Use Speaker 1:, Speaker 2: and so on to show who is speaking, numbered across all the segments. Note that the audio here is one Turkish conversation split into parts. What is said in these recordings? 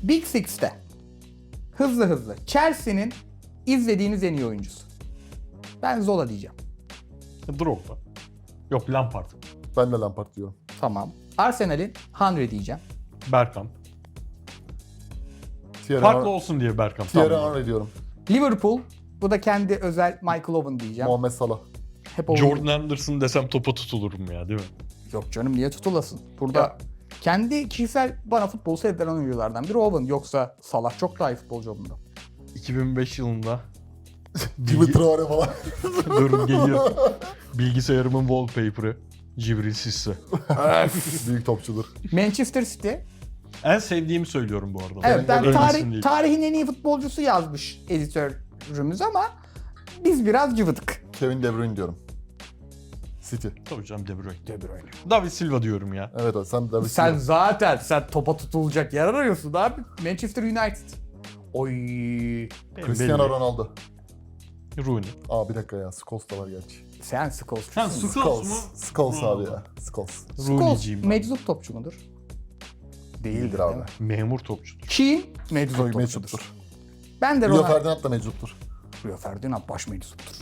Speaker 1: Big Six'te hızlı Chelsea'nin izlediğiniz en iyi oyuncusu. Ben Zola diyeceğim.
Speaker 2: Drogba. Yok, Lampard.
Speaker 3: Ben de Lampard diyorum.
Speaker 1: Tamam. Arsenal'in Henry diyeceğim.
Speaker 2: Bergkamp.
Speaker 3: Thierry
Speaker 2: Farklı olsun diye Bergkamp.
Speaker 3: Thierry
Speaker 2: Tamam.
Speaker 3: Henry diyorum.
Speaker 1: Liverpool. Bu da kendi özel Michael Owen diyeceğim.
Speaker 3: Muhammed Salah.
Speaker 1: Hep Owen.
Speaker 2: Jordan Anderson desem topa tutulurum ya, değil mi?
Speaker 1: Yok canım, niye tutulasın? Burada
Speaker 3: Ya.
Speaker 1: kendi kişisel bana futbol sevdiren oyunculardan biri Owen. Yoksa Salah çok daha iyi futbolcu ondan.
Speaker 2: 2005 yılında
Speaker 3: Jimmy Traore falan.
Speaker 2: Durun geliyor. Bilgisayarımın wallpaper'ı Cibril Cisse.
Speaker 3: Büyük topçudur.
Speaker 1: Manchester City.
Speaker 2: En sevdiğimi söylüyorum bu arada.
Speaker 1: Evet, ben
Speaker 2: Ölmesin değil.
Speaker 1: tarihin en iyi futbolcusu yazmış editörümüz ama biz biraz cıvıdık.
Speaker 3: Kevin De Bruyne diyorum. City.
Speaker 2: Tabii canım, De Bruyne.
Speaker 1: De Bruyne.
Speaker 2: David Silva diyorum ya.
Speaker 3: Evet abi, sen David
Speaker 1: Sen
Speaker 3: Silva.
Speaker 1: zaten topa tutulacak yer arıyorsun abi. Manchester United. Oy.
Speaker 3: Cristiano
Speaker 2: Belli.
Speaker 3: Ronaldo.
Speaker 2: Rooney.
Speaker 3: Aa bir dakika ya. Scholes da var gerçi.
Speaker 1: Sen Scholes.
Speaker 2: Sen Scholes mu?
Speaker 3: Scholes abi ya. Scholes.
Speaker 1: Scholes
Speaker 2: Rooney'ciyim ben.
Speaker 1: meczup topçu mudur?
Speaker 3: Değildir abi.
Speaker 2: Memur topçudur.
Speaker 1: Keane meczup
Speaker 3: Soy
Speaker 1: topçudur.
Speaker 3: meczuptur.
Speaker 1: Ben de
Speaker 3: Rio
Speaker 1: Ronaldo.
Speaker 3: Ferdinand da meczuptur.
Speaker 1: Rio Ferdinand baş meczuptur.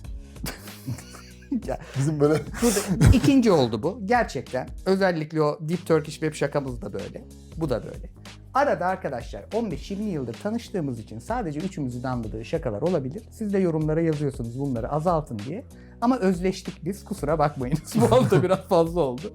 Speaker 1: Ya,
Speaker 3: Bizim böyle
Speaker 1: burada ikinci oldu bu. Gerçekten. Özellikle o Deep Turkish Web şakamız da böyle. Bu da böyle. Arada arkadaşlar 15-20 yıldır tanıştığımız için sadece üçümüzün anladığı şakalar olabilir. Siz de yorumlara yazıyorsunuz bunları azaltın diye. Ama özleştik biz. Kusura bakmayınız. Bu hafta biraz fazla oldu.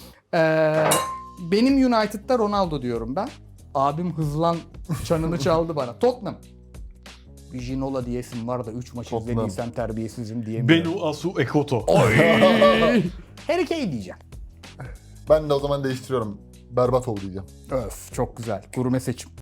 Speaker 1: Benim United'da Ronaldo diyorum ben. Abim hızlan çanını çaldı bana. Tottenham. Bir Ginola diyesim var da 3 maç
Speaker 3: Tottenham.
Speaker 1: izlediysem terbiyesizim diyemiyorum.
Speaker 2: Benu Asu Ekoto.
Speaker 1: Harry Kane diyeceğim.
Speaker 3: ben de o zaman değiştiriyorum. Berbatov diyeceğim.
Speaker 1: Öf, çok güzel. Gurme seçim.